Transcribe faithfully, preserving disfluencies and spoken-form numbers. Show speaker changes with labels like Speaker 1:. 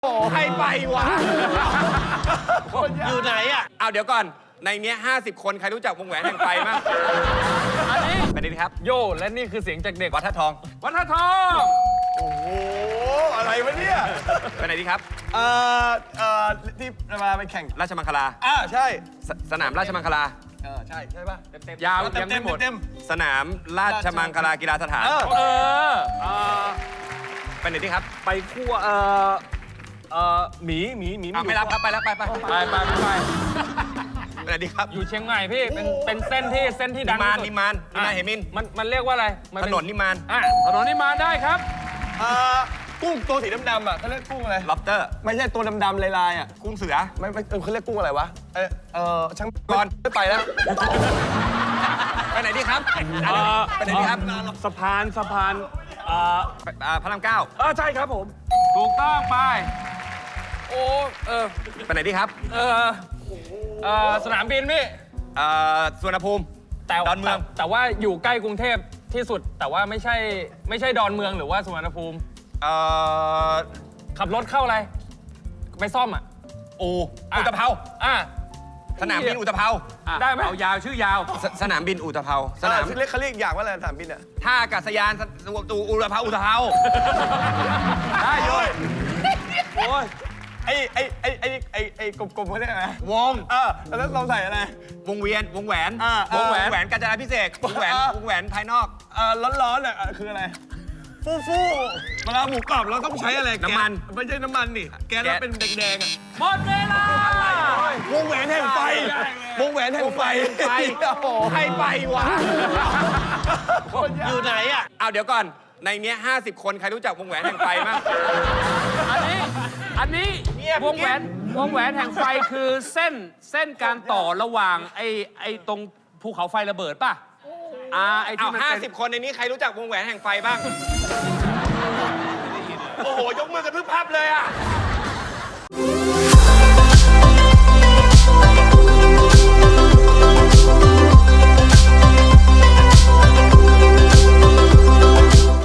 Speaker 1: ใครไปวะ
Speaker 2: อยู่ไหนอ่ะ
Speaker 1: เอาเดี๋ยวก่อน ในเนี้ยห้าสิบคนใครรู้จักวงแหวนแห่งไฟมั้ง
Speaker 3: อันนี้
Speaker 1: ไปนี่ครับ
Speaker 3: โยและนี่คือเสียงจากเด็ก
Speaker 1: วัดท่าทอง
Speaker 3: วัฒนทอง
Speaker 2: โอ้โห อะไรวะเนี่ย
Speaker 1: ไปไหนดีครับ
Speaker 2: เอ่อ เอ่อ ที่มาไปแข่ง
Speaker 1: ราชมังคลา
Speaker 2: อ่าใช่
Speaker 1: สสนามราชมังคลา
Speaker 2: เออ ใช่ ใช่ป่ะ เต็มเต็ม
Speaker 3: ยาว
Speaker 2: เต็
Speaker 3: ยั
Speaker 2: ม
Speaker 3: ง
Speaker 2: เต็
Speaker 3: ไม่
Speaker 2: ม
Speaker 3: หมด
Speaker 2: เต็ม
Speaker 1: สนามราชมังคลากีฬาสถาน
Speaker 2: เออ
Speaker 3: เออเอ่อ
Speaker 1: ไปไหนดีครับ
Speaker 3: ไปคั่วเอ่อเอ่อหมีหมีหมี
Speaker 1: อ่ะไม่รับครับไปแล้วไปไป
Speaker 3: ไปไปไปไป
Speaker 1: ไปไหนดีครับ
Speaker 3: อยู่เชียงใหม่พี่เป็นเป็นเส้นที่เส้นที่ดั
Speaker 1: นิ
Speaker 3: ง
Speaker 1: มาน
Speaker 3: ที่สุด
Speaker 1: นิมานนิมานเหมิน
Speaker 3: มันมันเรียกว่าอะไรมั
Speaker 1: ถ
Speaker 3: เป็น
Speaker 1: นนนิมาน
Speaker 3: อ่ะถนนนิมานได้ครับ
Speaker 2: เอ่อ กุ้งตัวสีดำๆอ่ะเขาเรียกกุ้งอะไร
Speaker 1: ล็อบเตอร์
Speaker 2: ไม่ใช่ตัวดำๆลายๆอ่ะ
Speaker 1: กุ้งเสือ
Speaker 2: ไม่ไม่เออเขาเรียกกุ้งอะไรวะ เออเออช่าง
Speaker 1: ก่อน
Speaker 2: ไม่ไปแล้ว
Speaker 1: ไปไหนดีครับ
Speaker 3: เอ่อ
Speaker 1: ไปไหนดีครับ
Speaker 3: สะพานสะพานเอ่อ
Speaker 1: ไปอ่าพระรามเก้า
Speaker 3: เออใช่ครับผม ถูกต้องไป โอ้เออ
Speaker 1: ไปไหนดีครับ
Speaker 3: เออเออสนามบินพี่
Speaker 1: เอ่อสุวรรณภูมิ
Speaker 3: แต่
Speaker 1: ดอนเมือง
Speaker 3: แต่แต่ว่าอยู่ใกล้กรุงเทพที่สุด แต่ว่าไม่ใช่ไม่ใช่ดอนเมืองหรือว่าสุวรรณภูมิ
Speaker 1: เอ่อ
Speaker 3: ขับรถเข้าอะไรไปซ่อมอ่ะ
Speaker 1: อู
Speaker 3: อ่ะ
Speaker 1: อุตภเปา
Speaker 3: อ่ะ
Speaker 1: สนามบินอุตภเปา
Speaker 3: ได้ไหม
Speaker 4: เอายาวชื่อยาว
Speaker 1: สสนามบินอุตภเปาส
Speaker 2: สนาน
Speaker 1: าม
Speaker 2: มเรียกเขาเรียกอย่างว่าอะไรสนามบินอ่ะ
Speaker 1: ท่าอากาศยานสตูอุตภเปาอุตภเปา
Speaker 3: ได้โยยโอ้ย
Speaker 2: ไอ้ไอ้ไอ้ไอ้ไอ้ไอ้กลมๆเขาเรียกอะไร
Speaker 1: วง
Speaker 2: เออแล้วเราใส่อะไร
Speaker 1: วงเวียนวงแหวน
Speaker 2: อ่าว
Speaker 1: งแหวน
Speaker 2: อ่า
Speaker 1: แหวนกาญจนาพิเศษกวงแหวน
Speaker 2: อ่าว
Speaker 1: งแหวนภายนอก
Speaker 2: เออร้อนๆอ่ะคืออะไร ฟูฟูเวลาหมูกรอบเราต้องใช้อะไรแก๊ส
Speaker 1: น้ำมัน
Speaker 2: ไม่ใช่น้ำมันนี่แก๊สแล้วเป็นแดงๆอ่ะ
Speaker 3: หมดเวลาว
Speaker 2: งแหวนแห่งไฟ วงแหวนแห่งไฟ
Speaker 1: ไฟ
Speaker 2: โอ้โห
Speaker 1: ใครไปวะ
Speaker 2: อยู่ไหนอ่ะ
Speaker 1: เอาเดี๋ยวก่อน ในเนี้ยห้าสิบคนใครรู้จักวงแหวนแห่งไฟมั้ง
Speaker 3: อันนี้อันนี้
Speaker 2: เงียบ
Speaker 3: วงแหวนวงแหวนแห่งไฟคือเส้นเส้นการต่อระหว่างไอ้ไอ้ตรงภูเขาไฟระเบิดป่ะอ่าไอ้
Speaker 1: เอา
Speaker 3: ที่มัน
Speaker 1: ห้า
Speaker 3: เป็น
Speaker 1: สิบคนในนี้ใครรู้จักวงแหวนแห่งไฟบ้าง
Speaker 2: โอ้โห ยกมือกันพึบพับเลยอ่ะ